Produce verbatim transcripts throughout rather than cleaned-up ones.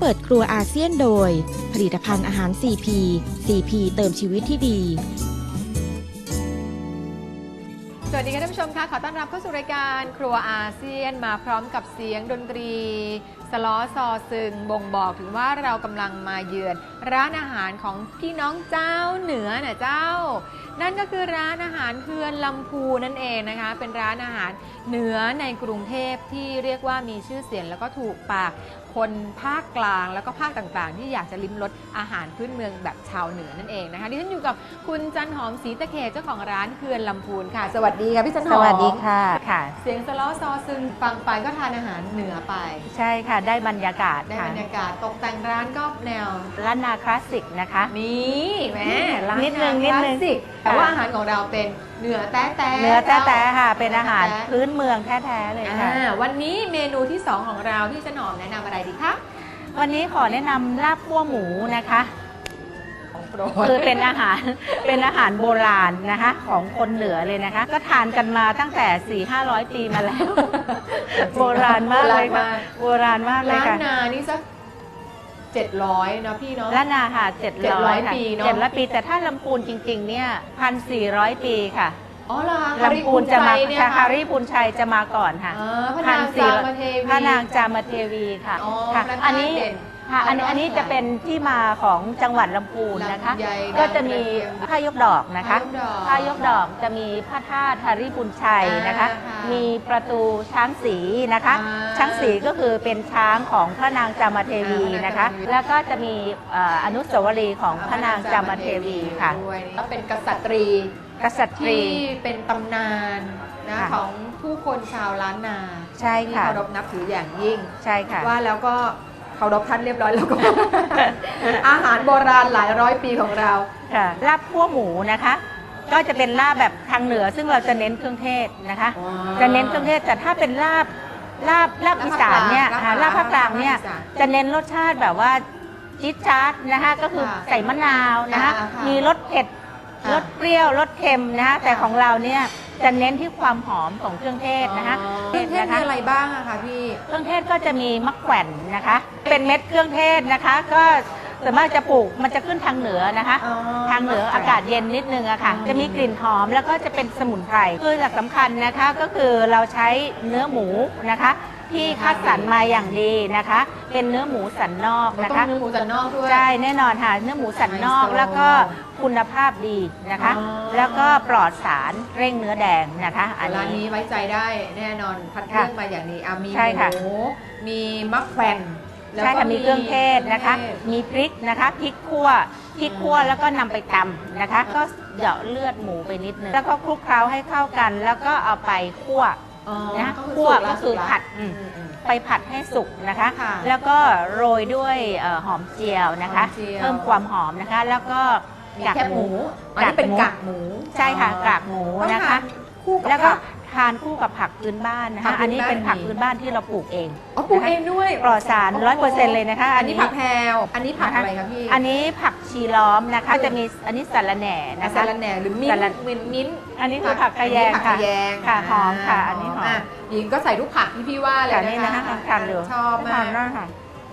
เปิดครัวอาเซียนโดยผลิตภัณฑ์อาหาร ซี พี ซี พี เติมชีวิตที่ดีสวัสดีค่ะท่านผู้ชมค่ะขอต้อนรับเข้าสู่รายการครัวอาเซียนมาพร้อมกับเสียงดนตรีสล้อซอซึงบ่งบอกถึงว่าเรากำลังมาเยือนร้านอาหารของพี่น้องเจ้าเหนือน่ะเจ้านั่นก็คือร้านอาหารเฮือนลำพูนั่นเองนะคะเป็นร้านอาหารเหนือในกรุงเทพที่เรียกว่ามีชื่อเสียงแล้วก็ถูกปากคนภาคกลางแล้วก็ภาคต่างๆที่อยากจะลิ้มรสอาหารพื้นเมืองแบบชาวเหนือนั่นเองนะคะดิฉันอยู่กับคุณจันหอมศรีตะเขตเจ้าของร้านเฮือนลำพูนค่ะสวัสดีค่ะพี่จันหอมสวัสดีค่ะค่ะเสียงสล้อซอซึงฟังไปก็ทานอาหารเหนือไปใช่ค่ะได้บรรยากาศได้บรรยากาศตกแต่งร้านก็แนวล้านนาคลาสสิกนะคะนี่แม่ร้านนิดนึงนิดนึงแต่ว่าอาหารของเราเป็นเหนือแต้แต้เนื้อแต้แต้ค่ะเป็นอาหารพื้นเมืองแท้ๆเลยค่ะวันนี้เมนูที่สองของเราที่จันหอมแนะนำอะไรดีคะวันนี้ขอแนะนำลาบคั่วหมูนะคะคือเป็นอาหารเป็นอาหารโบราณนะคะของคนเหนือเลยนะคะก็ทานกันมาตั้งแต่ สี่ห้าร้อย ปีมาแล้วโบราณมากเลยค่ะโบราณมากเลยค่ะล้านนานี่สักเจ็ดร้อยนะพี่เนาะล้านนาค่ะเจ็ดร้อยปีเนาะเจ็ดร้อยปีแต่ถ้าลำพูนจริงๆเนี่ยพันสี่ร้อยปีค่ะอ๋อเหรอลำพูนจะมาคาริพูนชัยจะมาก่อนค่ะพระนางจามเทวีพระนางจามเทวีค่ะอันนี้ค่ะอันนี้อันนี้จะเป็นที่มาของจังหวัดลำพูนนะคะก็จะมีผ้ายกดอกนะคะผ้ายกดอกจะมีพระธาตุหริพูนชัยนะคะมีประตูช้างศรีนะคะช้างศรีก็คือเป็นช้างของพระนางจามเทวีนะคะแล้วก็จะมีอนุสาวรีย์ของพระนางจามเทวีค่ะก็เป็นกษัตรีกษัตริย์ที่เป็นตำนานนะของผู้คนชาวล้านนาใช่ค่ะที่เคารพนับถืออย่างยิ่งใช่ค่ะว่าแล้วก็เคารพท่านเรียบร้อยแล้วก็ อาหารโบราณหลายร้อยปีของเราค่ะลาบคั่วหมูนะคะก็จะเป็นลาบแบบทางเหนือซึ่งเราจะเน้นเครื่องเทศนะคะจะเน้นเครื่องเทศแต่ถ้าเป็นลาบลาบลาบอีสานเนี่ยลาบภาคกลางเนี่ยจะเน้นรสชาติแบบว่าจี๊ดจ๊าดนะคะก็คือใส่มะนาวนะคะมีรสเผ็ดรสเปรี้ยวรสเค็มนะคะแต่ของเราเนี่ยจะเน้นที่ความหอมของเครื่องเทศนะคะเครื่องเทศมีอะไรบ้างอะคะพี่เครื่องเทศก็จะมีมะแขวนนะคะเป็นเม็ดเครื่องเทศนะคะก็ส่วนมากจะปลูกมันจะขึ้นทางเหนือนะคะทางเหนืออากาศเย็นนิดนึงอะค่ะจะมีกลิ่นหอมแล้วก็จะเป็นสมุนไพรคือหลักสำคัญนะคะก็คือเราใช้เนื้อหมูนะคะที่คัดสรรมาอย่างดีนะคะเป็นเนื้อหมูสันนอกนะคะเนื้อหมูสันนอกด้วยใช่แน่นอนค่ะเนื้อหมูสันนอกแล้วก็คุณภาพดีนะคะแล้วก็ปลอดสารเร่งเนื้อแดงนะคะอันนี้ไว้ใจได้แน่นอนคัดเลือกมาอย่างนี้มีหมูมีมะแขวนใช่ค่ะมีเครื่องเทศนะคะมีพริกนะคะพริกคั่วพริกคั่วแล้วก็นำไปตำนะคะก็เหยาะเลือดหมูไปนิดนึงแล้วก็คลุกเคล้าให้เข้ากันแล้วก็เอาไปคั่วนะคั่วก็คือผัดไปผัดให้สุกนะคะแล้วก็โรยด้วยหอมเจียวนะคะเพิ่มความหอมนะคะแล้วก็กากหมูอันนี้เป็นกากหมูใช่ค่ะกากหมูนะคะแล้วก็ทานคู่กับผักพื้นบ้านนะคะอันนี้เป็นผักพื้นบ้านที่เราปลูกเองอ๋อปลูกเองด้วยปลอดสารร้อยเปอร์เซ็นต์เลยนะคะอันนี้ผักแพรวอันนี้ผักอะไรคะพี่อันนี้ผักชีล้อมนะคะจะมีอันนี้สะระแหน่นะคะสะระแหน่หรือมิ้นท์มิ้นท์อันนี้คือผักกระแยงค่ะค่ะหอมค่ะอันนี้หอมหญิงก็ใส่ทุกผักที่พี่ว่าเลยนะคะทานดูชอบมากค่ะ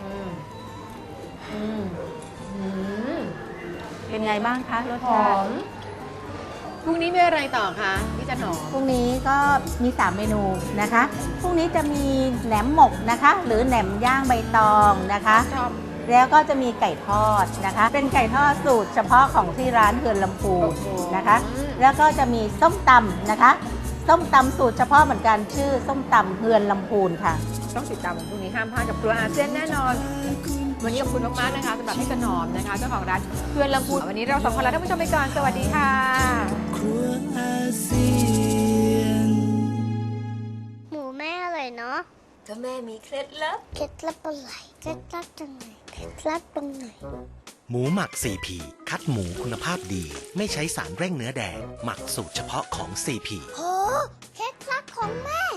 เป็นไงบ้างคะรสชาติพรุ่งนี้มีอะไรต่อคะพี่จันหอมพรุ่งนี้ก็มีสามเมนูนะคะพรุ่งนี้จะมีแหนมหมกนะคะหรือแหนมย่างใบตองนะคะแล้วก็จะมีไก่ทอดนะคะเป็นไก่ทอดสูตรเฉพาะของที่ร้านเฮือนลำพูนนะคะแล้วก็จะมีส้มตำนะคะส้มตำสูตรเฉพาะเหมือนกันชื่อส้มตำเฮือนลำพูนค่ะต้องติดตามพรุ่งนี้ห้ามพลาดกับครัวอาเซียนแน่นอนวันนี้ขอบคุณมากๆนะคะสำหรับพี่จันหอมนะคะเจ้าของร้านเฮือนลำพูนวันนี้เราสองคนลาท่านผู้ชมไปก่อนสวัสดีค่ะครัวอาเซียนหมูแม่อร่อยเนาะก็แม่มีเคล็ดลับเคล็ดลับอะไรเคล็ดลับตรงไหนเคล็ดลับตรงไหนหมูหมัก ซี พี คัดหมูคุณภาพดีไม่ใช้สารเร่งเนื้อแดงหมักสูตรเฉพาะของ ซี พีโหเคล็ดลับของแม่